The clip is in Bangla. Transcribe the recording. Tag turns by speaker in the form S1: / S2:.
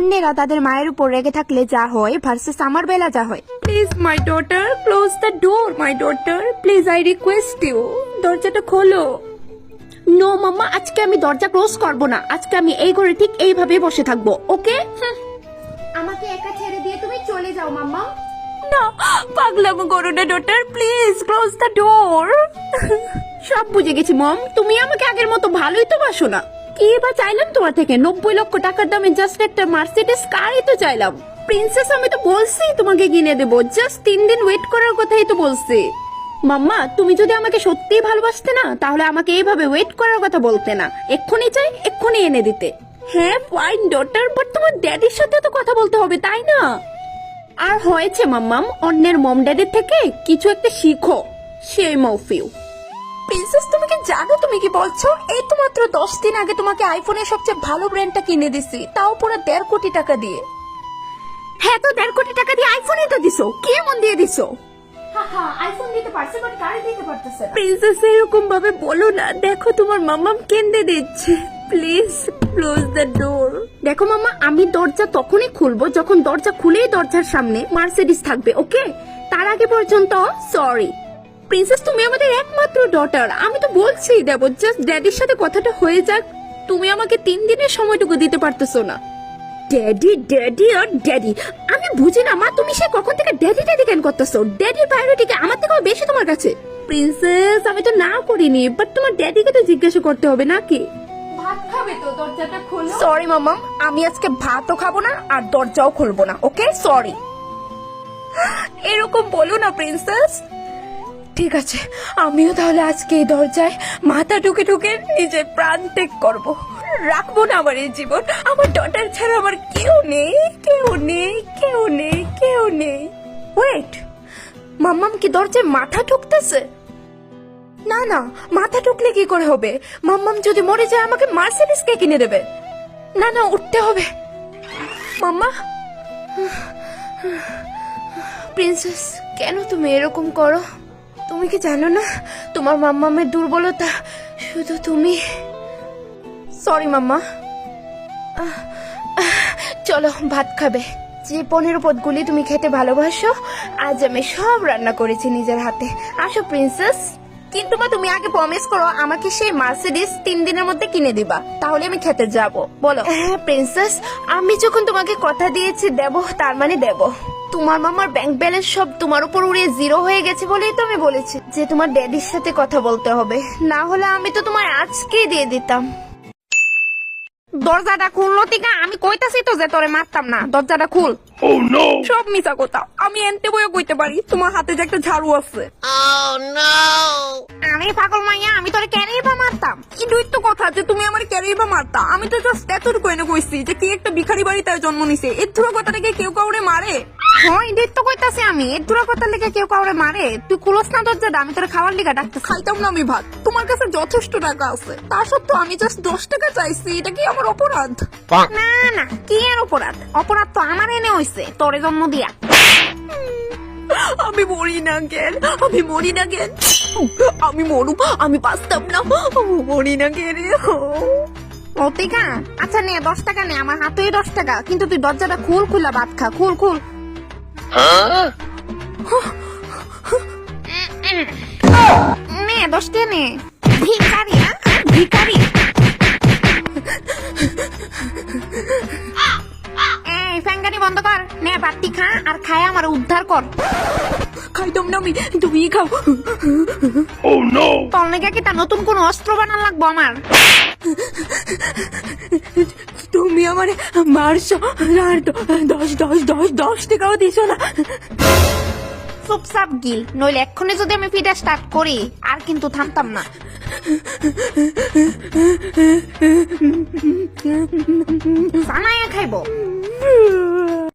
S1: অন্যেরা তাদের মায়ের উপর রেগে থাকলে যা হয় ভার্সেস আমার বেলা যা হয়। Please my daughter, close the door my daughter, please I request you, দরজাটা খোলো। নো মাম্মা, আজকে আমি দরজা ক্লোজ করব না, আজকে আমি এই ঘরে ঠিক এইভাবে বসে থাকবো, ওকে? আমাকে একা ছেড়ে দিয়ে তুমি চলে যাও মাম্মা। না, পাগলামো করো না daughter, please close the door. সব বুঝে গেছি মম, তুমি আমাকে আগের মতো ভালোই তো বাসো না। কি বা চাইলাম তোমার থেকে? 90 লক্ষ টাকার দামে জাস্ট একটা মার্সিডিজ কারই তো চাইলাম। প্রিন্সেস, আমি তো বলছি তোমাকে কিনে দেবো, জাস্ট 3 দিন ওয়েট করার কথাই তো বলছি। মাম্মা, তুমি যদি আমাকে সত্যিই ভালোবাসতে না তাহলে আমাকে এইভাবে ওয়েট করার কথা বলতে না, এক্ষুনি চাই এক্ষুনি এনে দিতে। হ্যাঁ ফাইন ডটার, বাট তোমার ড্যাডির সাথে তো কথা বলতে হবে তাই না? আর হয়েছে মাম্মাম, অন্যের মম ড্যাডির থেকে কিছু একটা শিখো, সেই মফিউ। প্রিন্সেস, তুমি কি জানো তুমি কি বলছো? এই তো মাত্র 10 দিন আগে তোমাকে আইফোনের সবচেয়ে ভালো ব্র্যান্ডটা কিনে দিছি, তাও পুরো 1.5 কোটি টাকা দিয়ে। হ্যাঁ তো 1.5 কোটি টাকা দিয়ে আইফোনই তো দিছো, কি এমন দিয়ে দিছো? আইফোন দিতে পারছে বাট গাড়ি দিতে পারতেছে না। প্রিন্সেস, এরকম ভাবে বলো না, দেখো তোমার মাম্মাম কেঁদে দিচ্ছে, প্লিজ ক্লোজ দ্য ডোর। দেখো মাম্মা, আমি দরজা তখনই খুলবো যখন দরজা খুলেই দরজার সামনে মার্সিডিজ থাকবে, ওকে? তার আগে পর্যন্ত সরি। প্রিন্সেস, তুমি আমাদের একমাত্র ডটার, আমি তো বলছি দেবো, জাস্ট ড্যাডির সাথে কথাটা হয়ে যাক। তুমি আমাকে 3 দিনের সময়টুকু দিতে পারতেছো না। ড্যাডি ড্যাডি আর ড্যাডি, আমি বুঝি না মা, তুমি সে কখন থেকে ড্যাডি ড্যাডি কেন করতেছো? ড্যাডির প্রায়োরিটি আমার থেকেও বেশি তোমার কাছে। প্রিন্সেস, আমি তো না করিনি, বাট তোমার ড্যাডিকে তো জিজ্ঞাসা করতে হবে নাকি? ভাত খাবে তো, দরজাটা খোলো। সরি মামা, আমি আজকে ভাতও খাবো না আর দরজাও খুলবো না, ওকে? সরি। এরকম বলো না প্রিন্সেস। ঠিক আছে, আমিও তাহলে আজকে এই দরজায় মাথা ঢুকে ঢুকে নিজের প্রাণ ত্যাগ করবো, রাখবো না আমার এই জীবন। আমার ডটার ছাড়া আমার কেউ নেই, কেউ নেই, কেউ নেই, কেউ নেই। ওয়েট, মাম্মাম কি দরজায় মাথা ঢুকতেছে? না না, মাথা ঢুকলে কি করে হবে? মাম্মাম যদি মরে যায় আমাকে মার্সিডিজ কে কিনে দেবে? না না, উঠতে হবে। মাম্মা, প্রিন্সেস, কেন তুমি এরকম করো? তুমি কি জানো না তোমার মাম্মামের দুর্বলতা শুধু তুমি? Sorry mamma. চলো ভাত খাবে। যে 15 পদগুলি তুমি খেতে ভালোবাসো আজ আমি সব রান্না করেছি নিজের হাতে। আসো প্রিন্সেস। কিন্তু মা, তুমি আগে প্রমিস করো আমাকে সেই মার্সিডিজ 3 দিনের মধ্যে কিনে দিবা, তাহলে আমি খেতে যাব। বলো। হ্যাঁ প্রিন্সেস, আমি যখন তোমাকে কথা দিয়েছি দেব, তার মানে দেব। তোমার মামার ব্যাংক ব্যালেন্স সব তোমার উপর উড়িয়ে 0 হয়ে গেছে বলেই তো আমি বলেছি যে তোমার ড্যাডির সাথে কথা বলতে হবে, না হলে আমি তো তোমার আজকেই দিয়ে দিতাম। দরজাটা খুললো টিকা, আমি কইতাছি তো যে তোরে মারতাম না, দরজাটা খুল।
S2: Oh no!
S1: সব মিছা কথা, আমি এনতে বইও কইতে পারি তোমার হাতে যে একটা ঝাড়ু আছে।
S2: Oh no!
S1: আরে পাগল মাইয়া, আমি তোরে ক্যারেই বা মারতাম? এটাই তো কথা যে তুমি আমার ক্যারেই বা মারতা। আমি তো জাস্ট এতটুকু এনে কইছি যে কি একটা ভিখারি বাড়িতে জন্ম নিছে, এর ধুরা কথা থেকে কেউ কাউরে মারে? হ্যাঁ এটাই তো কইতাছি আমি, এর ধুরা কথা লেগে কেউ কাউরে মারে? তুই খুলস না দরজাটা, আমি তোরে খাওয়ার লিগা ডাকতে। খাইতাম না আমি ভাত, তোমার কাছে যথেষ্ট টাকা আছে, তা সত্ত্বেও আমি জাস্ট 10 টাকা চাইছি, এটা কি আমার অপরাধ? না না, কি আর অপরাধ? অপরাধ তো আমার এনে হইছে তোরে জন্ম দিয়া। আমি মরি না কেন? আমি মরি না কেন? আমি মরুম, আমি বাঁচতাম না, মরি না কেন? অতিকা, আচ্ছা নে 10 টাকা নে, আমার হাতেই 10 টাকা, কিন্তু তুই দরজাটা খুল, খুলা ভাত খা, খুল খুল।
S2: Huh?
S1: নে 10 টাকা নে। ভিখারি, ভিখারি। এই ফ্যাঙ্গানি বন্ধ কর, নে বাতি খা, আর খায় আমার উদ্ধার কর। খাইতাম না আমি, তুমি খাও।
S2: Oh no!
S1: তোর নাকি কি তা নতুন কোন অস্ত্র বানান লাগবো আমার? তুমি আমার মারছো আর 10 টাকাও দিছো না। চুপচাপ গিল, নইলে এক্ষুনি যদি আমি ফিডা স্টার্ট করি আর কিন্তু থামতাম না। জানাইয়া খাইবো।